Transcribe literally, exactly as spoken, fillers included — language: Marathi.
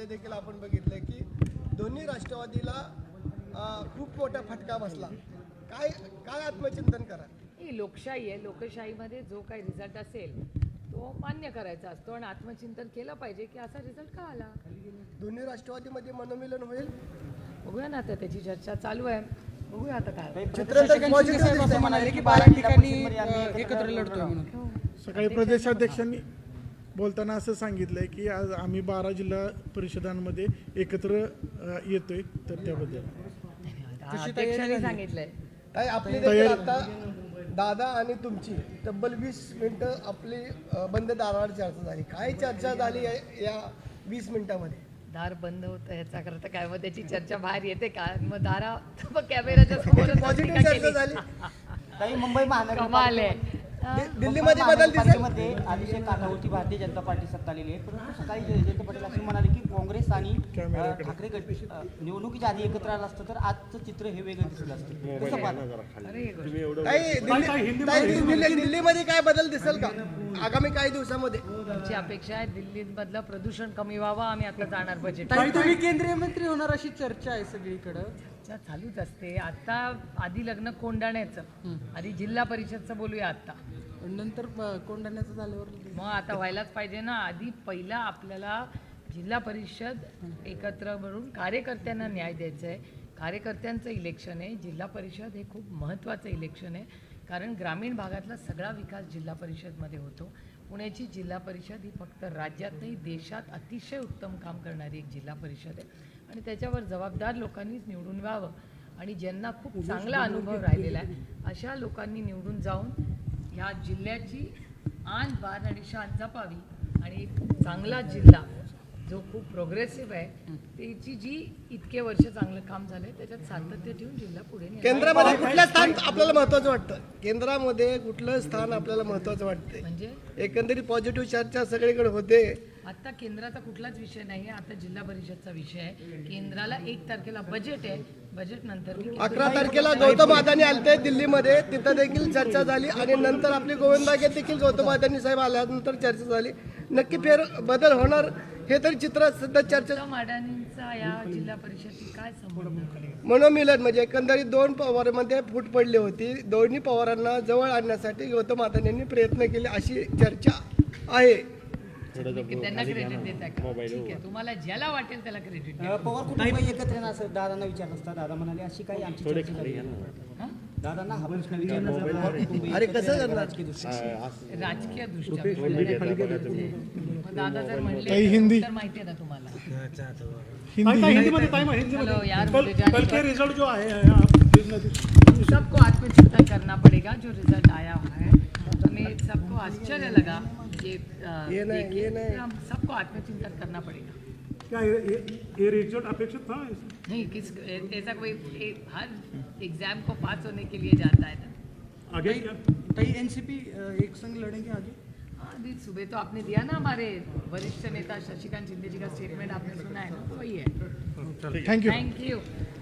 मध्ये देखील आपण बघितलं की दोन्ही राष्ट्रवादीला अ, खूप मोठा फटका बसला. काय काय आत्मचिंतन करा? ही लोकशाही आहे. लोकशाहीमध्ये जो काही रिझल्ट असेल तो मान्य करायचा असतो आणि आत्मचिंतन केलं पाहिजे की असा रिझल्ट का आला. दोन्ही राष्ट्रवादीमध्ये मनोमिलन होईल, बघूया ना, आता त्याची चर्चा चालू आहे. बघूया आता काय. चित्र तर पॉझिटिव्ह दिसतंय. म्हणाले की बारा ठिकाणी एकत्र लढतोय म्हणून. सकाळी प्रदेशाध्यक्षांनी बोलताना असं सांगितलंय की आज आम्ही बारा जिल्हा परिषदांमध्ये एकत्र अ, येतोय, तर त्याबद्दल अध्यक्षांनी सांगितलंय. काय आपली देखील आता दादा आणि तुमची तब्बल वीस मिनिटं आपली अ, बंद दारावर चर्चा झाली. काय चर्चा झाली या- या वीस मिनिटामध्ये? दार बंद होतं ह्याचा करता काय, मग त्याची चर्चा बाहेर येते का? मग दारा मग कॅमेराच्या समोर पॉझिटिव्ह चर्चा झाली. ताई, मुंबई कमाल महानगरपालिका आहे. दि- दिल्लीमध्ये बदल दिसेल. मध्ये अतिशय काठावरती भारतीय जनता पार्टी सत्ता आलेली आहे, परंतु सकाळी जयंत पाटील असे म्हणाले की काँग्रेस आणि अ, ठाकरे गट अ, निवडणुकीच्या आधी एकत्र आलं असतं तर आजचं चित्र हे वेगळं दिसलं असतं. कसं पाहता? अरे हे गोष्ट. काही दिल्ली- काही दिल्ली- दिल्लीमध्ये काय बदल दिसेल का आगामी काही दिवसामध्ये? आमची अपेक्षा आहे दिल्लीमधलं प्रदूषण कमी व्हावं. आम्ही आता जाणार बजेट. ताई, तुम्ही केंद्रीय मंत्री होणार अशी चर्चा आहे सगळीकडं. चर्चा चालूच असते. आता आधी लग्न कोंडाण्याचं, आधी जिल्हा परिषदचं बोलूया आता. पण नंतर प- कोंढाण्याचं झाल्यावर मग आता व्हायलाच पाहिजे ना. आधी पहिला आपल्याला जिल्हा परिषद एकत्र मिळून कार्यकर्त्यांना न्याय द्यायचा आहे. कार्यकर्त्यांचं इलेक्शन आहे. जिल्हा परिषद हे खूप महत्त्वाचं इलेक्शन आहे, कारण ग्रामीण भागातला सगळा विकास जिल्हा परिषदमध्ये होतो. पुण्याची जिल्हा परिषद ही फक्त राज्यात नाही, देशात अतिशय उत्तम काम करणारी एक जिल्हा परिषद आहे आणि त्याच्यावर जबाबदार लोकांनीच निवडून व्हावं आणि ज्यांना खूप चांगला अनुभव राहिलेला आहे अशा लोकांनी निवडून जाऊन ह्या जिल्ह्याची आन बान आणि शान जपावी आणि एक चांगला जिल्हा जो खूप प्रोग्रेसिव्ह आहे त्याची जी इतके वर्ष चांगलं काम झालंय त्याच्यात सातत्य ठेवून जिल्हा पुढे नेला. केंद्रामध्ये कुठलं स्थान आपल्याला महत्वाचं वाटतं? केंद्रामध्ये कुठलं स्थान आपल्याला महत्वाचं वाटतंय? म्हणजे एकंदरीत पॉझिटिव्ह चर्चा सगळीकडे होते. आता केंद्राचा कुठलाच विषय नाही आहे. आता जिल्हा परिषदचा विषय आहे. केंद्राला एक तारखेला बजेट आहे. बजेट नंतर मी अकरा तारखेला गौतम अदानी आलते दिल्लीमध्ये, तिथं देखील चर्चा झाली आणि नंतर आपली गोविंदागे देखील गौतम अदानी साहेब आल्यानंतर चर्चा झाली. नक्की फेर बदल होणार हे तरी चित्र सध्या चर्चा. गौतम अडाणींचा या जिल्हा परिषदची काय संबंध? मनोमिलन म्हणजे एकंदरीत दोन पवारांमध्ये फूट पडली होती. दोन्ही पवारांना जवळ आणण्यासाठी गौतम अदानी यांनी प्रयत्न केले अशी चर्चा आहे. की त्यांना क्रेडिट देता का? ठीक आहे, तुम्हाला ज्याला वाटेल त्याला क्रेडिट द्या. अ, पवार कुटुंब एकत्र येणार असं दादांना विचारलं असता. दादा म्हणाले अशी काही आमची चर्चा झाली. हं? दादांना हा प्रश्न विचारला असता. पवार कुटुंब अरे एकत्र कसं येणार करणार? राजकीय दृष्टीने. राजकीय दृष्ट्या बोलले. मग दादा जर म्हणले काही हिंदी? तर माहिती आहे ना तुम्हाला. हिंदी चलो यार, मुझे जाने कल दो. के रिजल्ट जो आए हैं आप सबको आत्मचिंतन करना पड़ेगा. जो रिजल्ट आया हुआ है हमें सबको आश्चर्य लगा ये अ, ये नहीं, देखिए, ये नहीं. हम सबको आत्मचिंतन करना पड़ेगा. क्या ये, ये, ये रिजल्ट अपेक्षित था? नहीं, किस ऐसा कोई ए, हर एग्जाम को पास होने के लिए जाता है ना. आगे क्या? ताई, एनसीपी एक संघ लढेंगे आगे. हाँ, अभी सुबह तो आपने दिया ना, हमारे वरिष्ठ नेता शशिकांत शिंदे जी का स्टेटमेंट आपने सुना है ना, तो वही है. थँक्यू. Thank you.